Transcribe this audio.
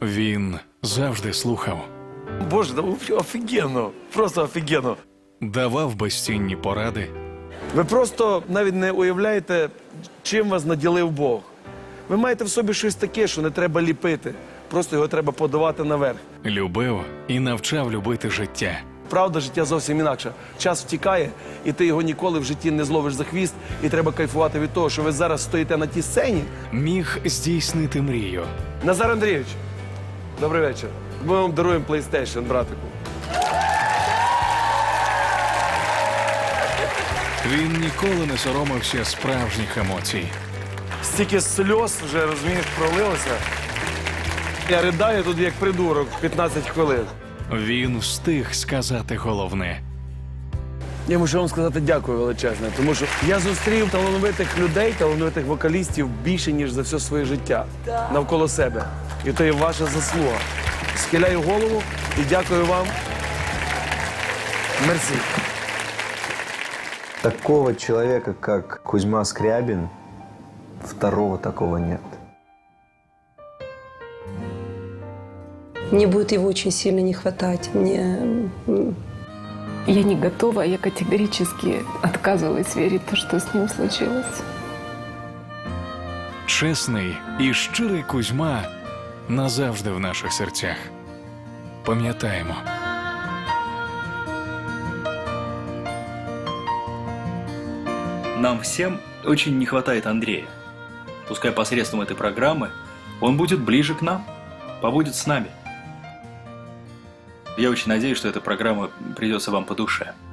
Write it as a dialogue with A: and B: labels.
A: Він завжди слухав,
B: Боже, да офігенно, просто офігенно.
A: давав безцінні поради,
B: Ви просто навіть не уявляєте, чим вас наділив Бог. Ви маєте в собі щось таке, що не треба ліпити, просто його треба подавати наверх.
A: любив і навчав любити життя.
B: Правда, життя зовсім інакше. Час втікає, і ти його ніколи в житті не зловиш за хвіст, і треба кайфувати від того, що ви зараз стоїте на тій сцені.
A: Міг здійснити мрію.
B: Назар Андрійович, добрий вечір. Ми вам даруємо PlayStation, братику.
A: Він ніколи не соромився справжніх емоцій.
B: Стільки сльоз вже, розумієш, пролилося. Я ридаю тут як придурок 15 хвилин.
A: Він встиг сказати головне.
B: Я мушу вам сказати дякую величезне, тому що я зустрів талановитих людей, талановитих вокалістів більше, ніж за все своє життя навколо себе. І то є ваша заслуга. Схиляю голову і дякую вам. Мерсі.
C: Такого человека, как Кузьма Скрябин, второго такого нет.
D: Мне будет его очень сильно не хватать.
E: Я не готова, я категорически отказываюсь верить в то, что с ним случилось.
A: Чесний і щирий Кузьма назавжди в наших серцях. Пам'ятаємо.
F: Нам всем очень не хватает Андрея. Пускай посредством этой программы он будет ближе к нам, побудет с нами. Я очень надеюсь, что эта программа придется вам по душе.